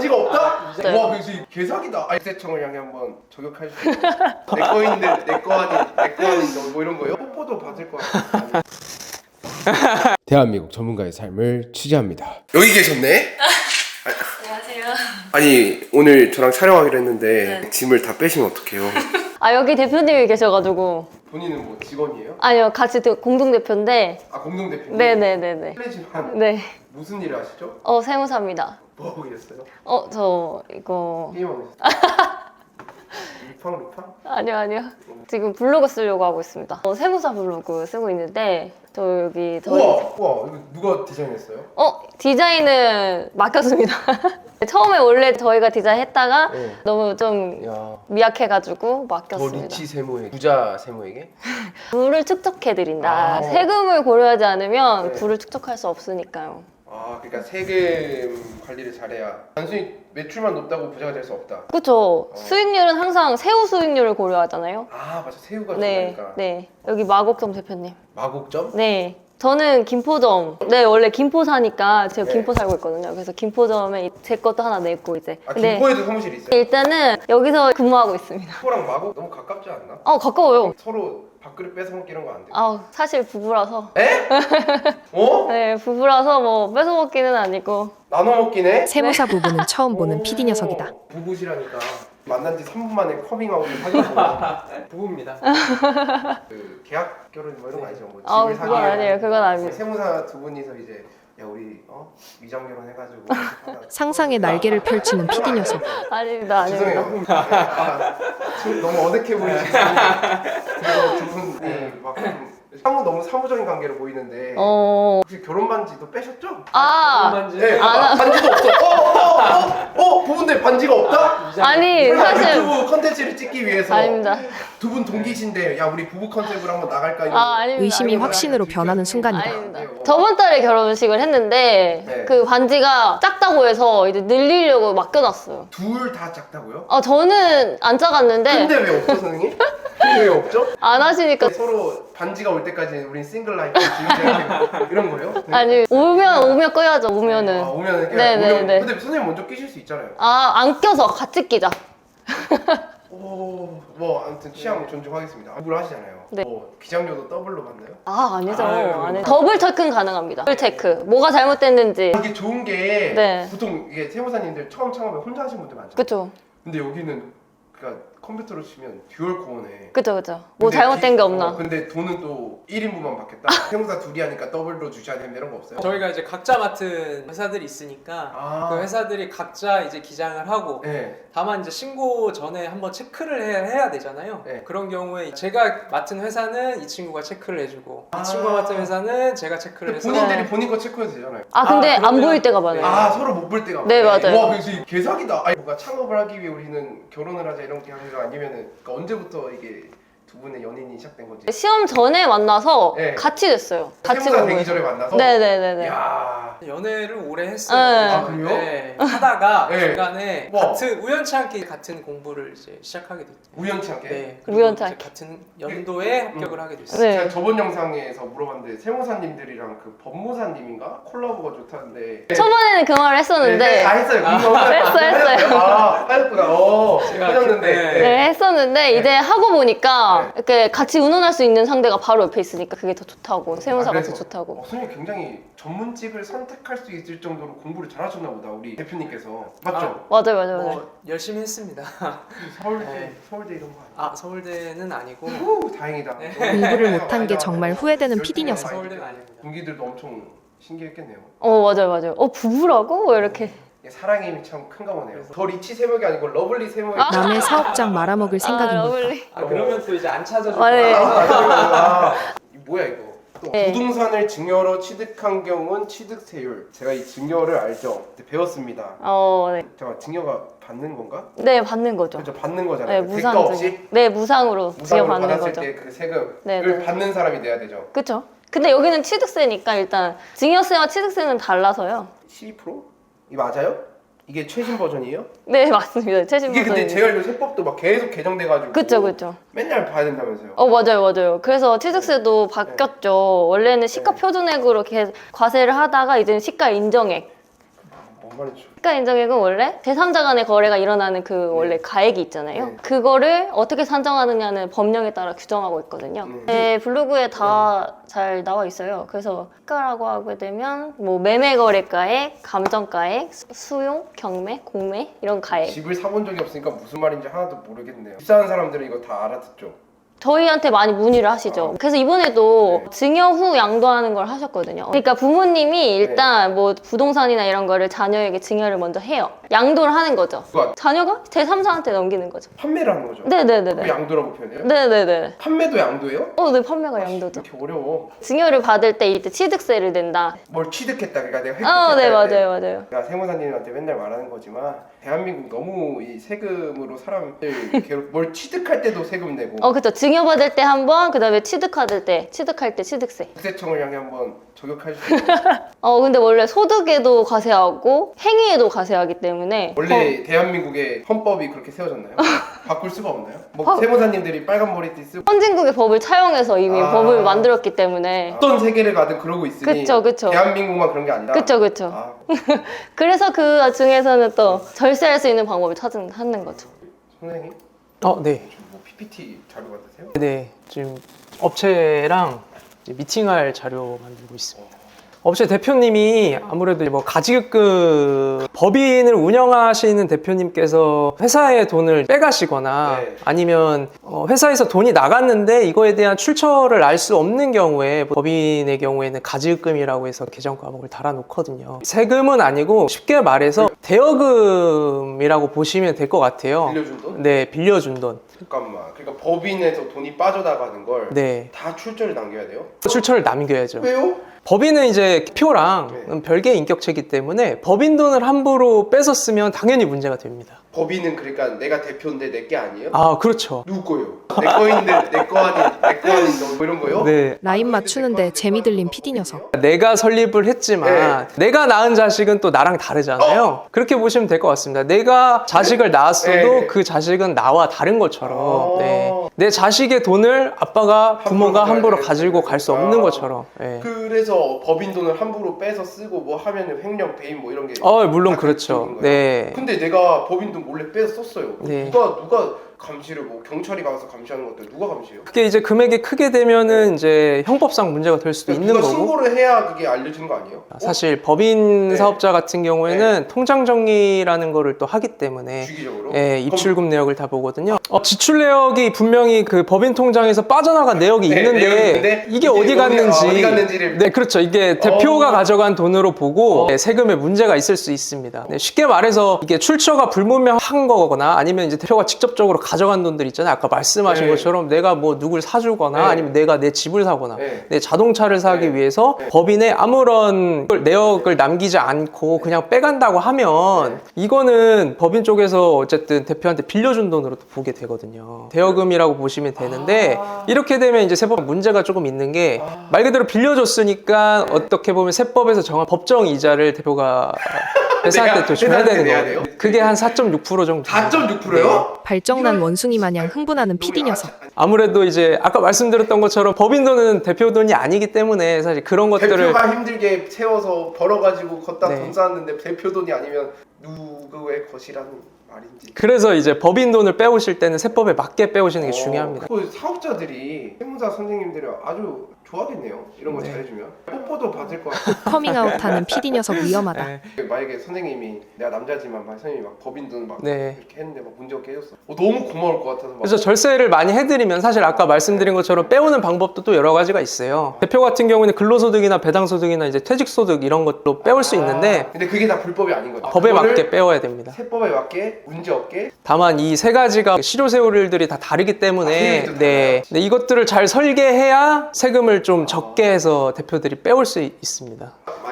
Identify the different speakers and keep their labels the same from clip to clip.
Speaker 1: 반지가 없다?
Speaker 2: 네.
Speaker 1: 와 그래서 개사기다. 세청을 향해 한번 저격할 수 있어. 내 거인데 내 거 아닌 뭐 이런 거요? 뽀뽀도 받을 거 같아. 대한민국 전문가의 삶을 취재합니다. 여기 계셨네?
Speaker 2: 안녕하세요.
Speaker 1: 아니 오늘 저랑 촬영하기로 했는데
Speaker 2: 네.
Speaker 1: 짐을 다 빼시면 어떡해요?
Speaker 2: 아 여기 대표님이 계셔가지고.
Speaker 1: 본인은 뭐 직원이에요?
Speaker 2: 아니요, 같이 공동대표인데.
Speaker 1: 아 공동대표님?
Speaker 2: 네네네네.
Speaker 1: 실례지만
Speaker 2: 네.
Speaker 1: 무슨 일을 하시죠?
Speaker 2: 세무사입니다.
Speaker 1: 뭐 하고 계셨어요?
Speaker 2: 저 이거.
Speaker 1: 게임하고 있어요? 루팡?
Speaker 2: 아니요. 지금 블로그 쓰려고 하고 있습니다. 세무사 블로그 쓰고 있는데 저 여기
Speaker 1: 우와 이거 누가 디자인했어요?
Speaker 2: 디자인은 맡겼습니다. 처음에 원래 저희가 디자인했다가
Speaker 1: 네.
Speaker 2: 너무 좀
Speaker 1: 야,
Speaker 2: 미약해가지고
Speaker 1: 더
Speaker 2: 맡겼습니다.
Speaker 1: 리치 세무에 부자 세무에게?
Speaker 2: 부를 축적해드린다.
Speaker 1: 아.
Speaker 2: 세금을 고려하지 않으면
Speaker 1: 네.
Speaker 2: 부를 축적할 수 없으니까요.
Speaker 1: 아 그러니까 세금 관리를 잘해야 단순히 매출만 높다고 부자가 될 수 없다.
Speaker 2: 그쵸. 수익률은 항상 새우 수익률을 고려하잖아요.
Speaker 1: 아 맞아 새우가
Speaker 2: 네,
Speaker 1: 좋으니까.
Speaker 2: 네. 여기 마곡점 대표님.
Speaker 1: 마곡점?
Speaker 2: 네. 저는 김포점. 네, 원래 김포 사니까 제가
Speaker 1: 네.
Speaker 2: 김포 살고 있거든요. 그래서 김포점에 제 것도 하나 냈고 이제.
Speaker 1: 아
Speaker 2: 근데
Speaker 1: 김포에도 사무실이 있어요?
Speaker 2: 일단은 여기서 근무하고 있습니다.
Speaker 1: 김포랑 마곡 너무 가깝지 않나?
Speaker 2: 가까워요.
Speaker 1: 서로 밥그릇 뺏어먹기 이런 거 안 돼?
Speaker 2: 사실 부부라서.
Speaker 1: 에? 어?
Speaker 2: 네, 부부라서 뭐 뺏어먹기는 아니고.
Speaker 1: 나눠 먹긴 해?
Speaker 3: 세무사 부부는 처음 보는 PD 녀석이다.
Speaker 1: 부부시라니까 만난 지 3분 만에 커밍아웃을 하셨고
Speaker 4: 부부입니다.
Speaker 1: 그 계약 결혼 뭐 이런 거 아니죠? 뭐 집을
Speaker 2: 그건 아니에요. 그건 아닙니다.
Speaker 1: 세무사 두 분이서 이제 야 우리 위장 결혼 해가지고
Speaker 3: 상상의 날개를 펼치는 PD 녀석.
Speaker 2: 아닙니다.
Speaker 1: 죄송해요. 지금 너무 어색해 보이시는데 그리고 두 분이 막 너무 사무적인 관계로 보이는데 혹시 결혼 반지도 빼셨죠?
Speaker 4: 반지.
Speaker 1: 네, 반지도 없어. 부부인데 반지가 없다?
Speaker 2: 아니, 사실.
Speaker 1: 유튜브 컨텐츠를 찍기 위해서
Speaker 2: 아닙니다.
Speaker 1: 두 분 동기신데 야 우리 부부 컨셉으로 한번 나갈까 이런
Speaker 2: 아닙니다.
Speaker 3: 의심이
Speaker 2: 아닙니다.
Speaker 3: 확신으로 변하는 순간이다.
Speaker 2: 아닙니다. 저번 달에 결혼식을 했는데
Speaker 1: 네.
Speaker 2: 그 반지가 작다고 해서 이제 늘리려고 맡겨놨어요.
Speaker 1: 둘 다 작다고요?
Speaker 2: 저는 안 작았는데
Speaker 1: 근데 왜 없죠 선생님? 근데 왜 없죠?
Speaker 2: 안 하시니까.
Speaker 1: 서로 반지가 올 때까지 우린 싱글 라이프 지금 이런 거예요? 네.
Speaker 2: 아니, 오면 꺼야죠. 오면은.
Speaker 1: 오면은 그냥
Speaker 2: 네네네.
Speaker 1: 근데 선생님 먼저 끼실 수 있잖아요.
Speaker 2: 안 껴서 같이 끼자.
Speaker 1: 뭐 아무튼 취향 존중하겠습니다. 부부를 하시잖아요.
Speaker 2: 네.
Speaker 1: 뭐 기장료도 더블로 받나요?
Speaker 2: 아니죠.
Speaker 4: 아유,
Speaker 2: 안 해. 더블 체크는 가능합니다. 더블 체크. 뭐가 잘못됐는지.
Speaker 1: 이게 좋은 게
Speaker 2: 네.
Speaker 1: 보통 이게 세무사님들 처음 창업에 혼자 하신 분들 많죠.
Speaker 2: 그쵸.
Speaker 1: 근데 여기는 그러니까 컴퓨터로 치면 듀얼 코어네.
Speaker 2: 그쵸. 뭐 잘못된 게 없나.
Speaker 1: 근데 돈은 또 1인분만 받겠다. 세무사 둘이 하니까 더블로 주셔야 되는 이런 거 없어요?
Speaker 4: 저희가 이제 각자 맡은 회사들이 있으니까 그 회사들이 각자 이제 기장을 하고
Speaker 1: 네.
Speaker 4: 다만 이제 신고 전에 한번 체크를 해야 되잖아요.
Speaker 1: 네.
Speaker 4: 그런 경우에 제가 맡은 회사는 이 친구가 체크를 해주고 이 친구가 맡은 회사는 제가 체크를
Speaker 1: 근데
Speaker 4: 해서
Speaker 1: 본인들이 본인 거 체크해도 되잖아요.
Speaker 2: 근데 안
Speaker 4: 그러면-
Speaker 2: 보일 때가 많아요.
Speaker 1: 서로 못 볼 때가
Speaker 2: 네,
Speaker 1: 많네.
Speaker 2: 맞아요.
Speaker 1: 와 그래서 이게 개사기다. 아니 뭔가 창업을 하기 위해 우리는 결혼을 하자 이런 게 아니라 아니면은 그러니까 언제부터 이게 두 분의 연인이 시작된 거지?
Speaker 2: 시험 전에 만나서
Speaker 1: 네.
Speaker 2: 같이 됐어요. 같이
Speaker 1: 세무사 되기
Speaker 2: 공부해서.
Speaker 1: 전에 만나서.
Speaker 2: 네네네네.
Speaker 1: 야.
Speaker 4: 연애를 오래 했어요.
Speaker 2: 네.
Speaker 1: 그래요?
Speaker 4: 네. 하다가
Speaker 1: 네.
Speaker 4: 중간에
Speaker 1: 와.
Speaker 4: 우연치 않게 같은 공부를 이제 시작하게 됐죠.
Speaker 1: 우연치 않게.
Speaker 4: 네. 그리고
Speaker 2: 우연치
Speaker 4: 이제
Speaker 2: 않게.
Speaker 4: 같은 연도에 합격을 하게 됐어요.
Speaker 2: 네.
Speaker 1: 제가 저번 영상에서 물어봤는데 세무사님들이랑 그 법무사님인가 콜라보가 좋다는데.
Speaker 2: 초반에는 그 말을 했었는데.
Speaker 1: 네, 다 했어요.
Speaker 2: 했어요.
Speaker 1: 하였구나.
Speaker 4: 제가
Speaker 1: 하셨는데.
Speaker 4: 그때-
Speaker 2: 네, 했었는데 이제 하고 보니까
Speaker 1: 네.
Speaker 2: 이렇게 같이 운운할 수 있는 상대가 바로 옆에 있으니까 그게 더 좋다고. 세무사가
Speaker 1: 그래서?
Speaker 2: 더 좋다고.
Speaker 1: 선생님 굉장히 전문직을 선택할 수 있을 정도로 공부를 잘하셨나 보다 우리 대표님께서. 맞죠?
Speaker 2: 맞아요.
Speaker 4: 뭐 열심히 했습니다.
Speaker 1: 서울대
Speaker 4: 네.
Speaker 1: 서울대 이런 거 아니야?
Speaker 4: 서울대는 아니고
Speaker 1: 후, 다행이다.
Speaker 4: 네.
Speaker 3: 공부를 못한 게 정말 후회되는 PD 녀석.
Speaker 4: 서울대는 아닙니다.
Speaker 1: 동기들도 엄청 신기했겠네요.
Speaker 2: 맞아요. 부부라고? 이렇게.
Speaker 1: 사랑의 힘이 참 큰가 보네요. 더 리치 세목이 아니고 러블리 세목이.
Speaker 3: 남의 사업장 말아먹을 생각인 걸까?
Speaker 2: 러블리.
Speaker 4: 그러면 또 이제 안 찾아줄
Speaker 2: 네.
Speaker 4: 거야.
Speaker 1: 이 뭐야 이거? 또
Speaker 2: 네.
Speaker 1: 부동산을 증여로 취득한 경우는 취득세율. 제가 이 증여를 알죠. 그때 배웠습니다.
Speaker 2: 네.
Speaker 1: 잠깐 증여가 받는 건가?
Speaker 2: 네, 받는 거죠.
Speaker 1: 그렇죠, 받는 거잖아요.
Speaker 2: 네,
Speaker 1: 대가
Speaker 2: 무상
Speaker 1: 없이
Speaker 2: 증여. 네, 무상으로 증여
Speaker 1: 무상으로
Speaker 2: 받는
Speaker 1: 받았을
Speaker 2: 거죠.
Speaker 1: 때 그 세금을
Speaker 2: 네, 네.
Speaker 1: 받는 사람이 내야 되죠.
Speaker 2: 그쵸? 근데 여기는 취득세니까 일단 증여세와 취득세는 달라서요.
Speaker 1: 12%? 이 맞아요? 이게 최신 버전이에요?
Speaker 2: 네, 맞습니다. 최신
Speaker 1: 이게 근데
Speaker 2: 버전입니다.
Speaker 1: 제가 알기로 세법도 막 계속 개정돼가지고
Speaker 2: 그쵸.
Speaker 1: 맨날 봐야 된다면서요?
Speaker 2: 맞아요. 그래서 취득세도 바뀌었죠. 원래는 시가 표준액으로 이렇게 과세를 하다가 이제는 시가 인정액.
Speaker 1: 뭔 말이죠?
Speaker 2: 시가 인정액은 원래 제3자 간의 거래가 일어나는 그 원래 가액이 있잖아요.
Speaker 1: 네.
Speaker 2: 그거를 어떻게 산정하느냐는 법령에 따라 규정하고 있거든요. 제 블로그에 다 잘 나와 있어요. 그래서 시가라고 하게 되면 뭐 매매 거래가액, 감정가액, 수용, 경매, 공매 이런 가액.
Speaker 1: 집을 사본 적이 없으니까 무슨 말인지 하나도 모르겠네요. 집 사는 사람들은 이거 다 알아듣죠?
Speaker 2: 저희한테 많이 문의를 하시죠. 그래서 이번에도 증여 후 양도하는 걸 하셨거든요. 그러니까 부모님이 일단 뭐 부동산이나 이런 거를 자녀에게 증여를 먼저 해요. 양도를 하는 거죠.
Speaker 1: 누가
Speaker 2: 자녀가 제3자한테 넘기는 거죠.
Speaker 1: 판매를 하는 거죠?
Speaker 2: 네네네네.
Speaker 1: 그거 양도라고 표현해요?
Speaker 2: 네네네.
Speaker 1: 판매도 양도예요?
Speaker 2: 네, 판매가 양도죠.
Speaker 1: 이렇게 어려워.
Speaker 2: 증여를 받을 때 이때 취득세를 낸다.
Speaker 1: 뭘 취득했다. 그러니까 내가 획득했다.
Speaker 2: 네,
Speaker 1: 할 때.
Speaker 2: 맞아요.
Speaker 1: 제가 세무사님한테 맨날 말하는 거지만 대한민국 너무 이 세금으로 사람들 괴롭 뭘 취득할 때도 세금 내고
Speaker 2: 그쵸. 증여 받을 때 한 번, 그 다음에 취득할 때 취득세.
Speaker 1: 국세청을 향해 한번 저격할 수 있어요.
Speaker 2: 근데 원래 소득에도 과세하고 행위에도 과세하기 때문에
Speaker 1: 원래 대한민국의 헌법이 그렇게 세워졌나요? 바꿀 수가 없나요? 뭐 세무사님들이 빨간 머리띠 쓰고
Speaker 2: 선진국의 법을 차용해서 이미 법을 만들었기 때문에
Speaker 1: 어떤 세계를 가든 그러고 있으니
Speaker 2: 그쵸.
Speaker 1: 대한민국만 그런 게 아니라
Speaker 2: 그쵸.
Speaker 1: 아,
Speaker 2: 그래서 그 중에서는 또 절세할 수 있는 방법을 찾는 거죠.
Speaker 1: 선생님?
Speaker 4: 네.
Speaker 1: 뭐 PPT 자료 받으세요?
Speaker 4: 네. 지금 업체랑 이제 미팅할 자료 만들고 있습니다. 업체 대표님이 아무래도 뭐 가지급 법인을 운영하시는 대표님께서 회사의 돈을 빼가시거나
Speaker 1: 네.
Speaker 4: 아니면 회사에서 돈이 나갔는데 이거에 대한 출처를 알 수 없는 경우에 법인의 경우에는 가지급금이라고 해서 계정 과목을 달아놓거든요. 세금은 아니고 쉽게 말해서 대여금이라고 보시면 될 것 같아요.
Speaker 1: 빌려준 돈?
Speaker 4: 네, 빌려준 돈.
Speaker 1: 잠깐만. 그러니까 법인에서 돈이 빠져나가는 걸 다
Speaker 4: 네,
Speaker 1: 출처를 남겨야 돼요?
Speaker 4: 출처를 남겨야죠.
Speaker 1: 왜요?
Speaker 4: 법인은 이제 표랑 별개의 인격체이기 때문에 법인 돈을 함부로 뺏어 쓰면 당연히 문제가 됩니다.
Speaker 1: 법인은 그러니까 내가 대표인데 내 게 아니에요?
Speaker 4: 아, 그렇죠.
Speaker 1: 누구 거요? 내 거인데 내 거 아닌 뭐 이런 거요?
Speaker 4: 네.
Speaker 3: 라인 맞추는데 재미 들린 PD 녀석.
Speaker 4: 내가 설립을 했지만 내가 낳은 자식은 또 나랑 다르잖아요. 그렇게 보시면 될 것 같습니다. 내가 자식을 낳았어도
Speaker 1: 네.
Speaker 4: 그 자식은 나와 다른 것처럼
Speaker 1: 어.
Speaker 4: 네. 내 자식의 돈을 아빠가 부모가 함부로 가지고 갈 수 없는 것처럼 네.
Speaker 1: 그래서 법인 돈을 함부로 빼서 쓰고 뭐 하면은 횡령 배임 뭐 이런 게
Speaker 4: 물론
Speaker 1: 다
Speaker 4: 그렇죠.
Speaker 1: 그쪽인 거예요?
Speaker 4: 네.
Speaker 1: 근데 내가 법인 돈 몰래 빼서 썼어요.
Speaker 4: 네.
Speaker 1: 누가 감시를 뭐 경찰이 가서 감시하는 것들 누가 감시해요?
Speaker 4: 그게 이제 금액이 크게 되면은 이제 형법상 문제가 될 수도 있는
Speaker 1: 누가
Speaker 4: 거고.
Speaker 1: 신고를 해야 그게 알려지는 거 아니에요?
Speaker 4: 사실 법인
Speaker 1: 네.
Speaker 4: 사업자 같은 경우에는 통장 정리라는 거를 또 하기 때문에
Speaker 1: 주기적으로?
Speaker 4: 예, 입출금 내역을 다 보거든요. 지출 내역이 분명히 그 법인 통장에서 빠져나간 내역이
Speaker 1: 네,
Speaker 4: 있는데
Speaker 1: 내역이 있는데
Speaker 4: 이게 어디 갔는지
Speaker 1: 어디 갔는지를
Speaker 4: 네, 그렇죠. 이게 대표가 가져간 돈으로 보고 세금에 문제가 있을 수 있습니다. 네, 쉽게 말해서 이게 출처가 불분명한 거거나 아니면 이제 대표가 직접적으로 가져간 돈들 있잖아요. 아까 말씀하신
Speaker 1: 네.
Speaker 4: 것처럼 내가 뭐 누굴 사주거나
Speaker 1: 네.
Speaker 4: 아니면 내가 내 집을 사거나
Speaker 1: 네.
Speaker 4: 내 자동차를 사기
Speaker 1: 네.
Speaker 4: 위해서 법인에 아무런 내역을 남기지 않고 그냥 빼간다고 하면 이거는 법인 쪽에서 어쨌든 대표한테 빌려준 돈으로 또 보게 되거든요. 대여금이라고 보시면 되는데 이렇게 되면 이제 세법 문제가 조금 있는 게 말 그대로 빌려줬으니까 어떻게 보면 세법에서 정한 법정 이자를 대표가 회사한테 또 줘야 되는
Speaker 1: 내야
Speaker 4: 거예요.
Speaker 1: 돼요?
Speaker 4: 그게 한 4.6% 정도.
Speaker 1: 4.6%요?
Speaker 3: 발정난 원숭이 마냥 흥분하는 PD 녀석.
Speaker 4: 아무래도 이제 아까 말씀드렸던 것처럼 법인 돈은 대표 돈이 아니기 때문에 사실 그런 것들을
Speaker 1: 대표가 힘들게 세워서 벌어가지고 걷다
Speaker 4: 네.
Speaker 1: 돈 쌓았는데 대표 돈이 아니면 누구의 것이라는 말인지.
Speaker 4: 그래서 이제 법인 돈을 빼오실 때는 세법에 맞게 빼오시는 게 중요합니다.
Speaker 1: 그 사업자들이 세무사 선생님들이 아주 좋아하겠네요. 이런 거
Speaker 4: 네.
Speaker 1: 잘해주면 뽀뽀도 받을 것 같고.
Speaker 3: 커밍아웃하는 PD 녀석 위험하다.
Speaker 4: 네.
Speaker 1: 만약에 선생님이 내가 남자지만 막 선생님이 막 법인 돈 막
Speaker 4: 네.
Speaker 1: 이렇게 했는데 막 문제 없게 해줬어. 너무 고마울 것 같아서 막.
Speaker 4: 그래서 절세를 많이 해드리면 사실 아까 말씀드린 것처럼 빼오는 방법도 또 여러 가지가 있어요. 대표 같은 경우는 근로소득이나 배당소득이나 이제 퇴직소득 이런 것도 빼올 수 있는데
Speaker 1: 근데 그게 다 불법이 아닌 거죠.
Speaker 4: 법에
Speaker 1: 그거를
Speaker 4: 맞게 빼와야 됩니다.
Speaker 1: 세법에 맞게 문제 없게.
Speaker 4: 다만 이 세 가지가 실효세율들이 다 다르기 때문에
Speaker 1: 세율도
Speaker 4: 네. 네, 이것들을 잘 설계해야 세금을 좀 적게 해서 대표들이 빼올 수 있습니다.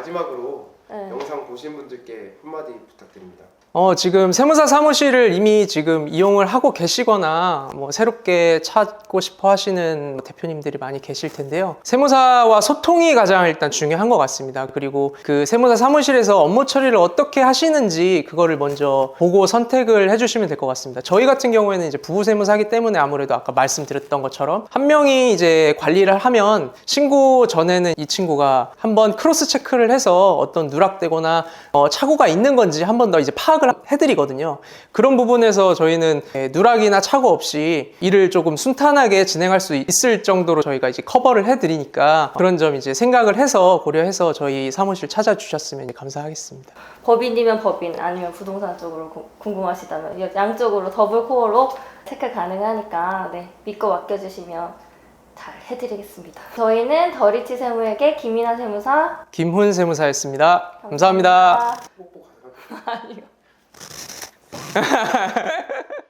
Speaker 1: 마지막으로
Speaker 2: 네.
Speaker 1: 영상 보신 분들께 한마디 부탁드립니다.
Speaker 4: 지금 세무사 사무실을 이미 지금 이용을 하고 계시거나 뭐 새롭게 찾고 싶어 하시는 대표님들이 많이 계실 텐데요. 세무사와 소통이 가장 일단 중요한 것 같습니다. 그리고 그 세무사 사무실에서 업무 처리를 어떻게 하시는지 그거를 먼저 보고 선택을 해주시면 될 것 같습니다. 저희 같은 경우에는 이제 부부 세무사기 때문에 아무래도 아까 말씀드렸던 것처럼 한 명이 이제 관리를 하면 신고 전에는 이 친구가 한번 크로스 체크를 해서 어떤 누락되거나 착오가 있는 건지 한 번 더 이제 파악을 해드리거든요. 그런 부분에서 저희는 누락이나 착오 없이 일을 조금 순탄하게 진행할 수 있을 정도로 저희가 이제 커버를 해드리니까 그런 점 이제 생각을 해서 고려해서 저희 사무실 찾아주셨으면 감사하겠습니다.
Speaker 2: 법인이면 법인, 아니면 부동산 쪽으로 궁금하시다면 양쪽으로 더블 코어로 체크 가능하니까 네, 믿고 맡겨주시면 잘 해드리겠습니다. 저희는 더리치 세무에게 김이나 세무사
Speaker 4: 김훈 세무사였습니다. 감사합니다.
Speaker 2: 아니요.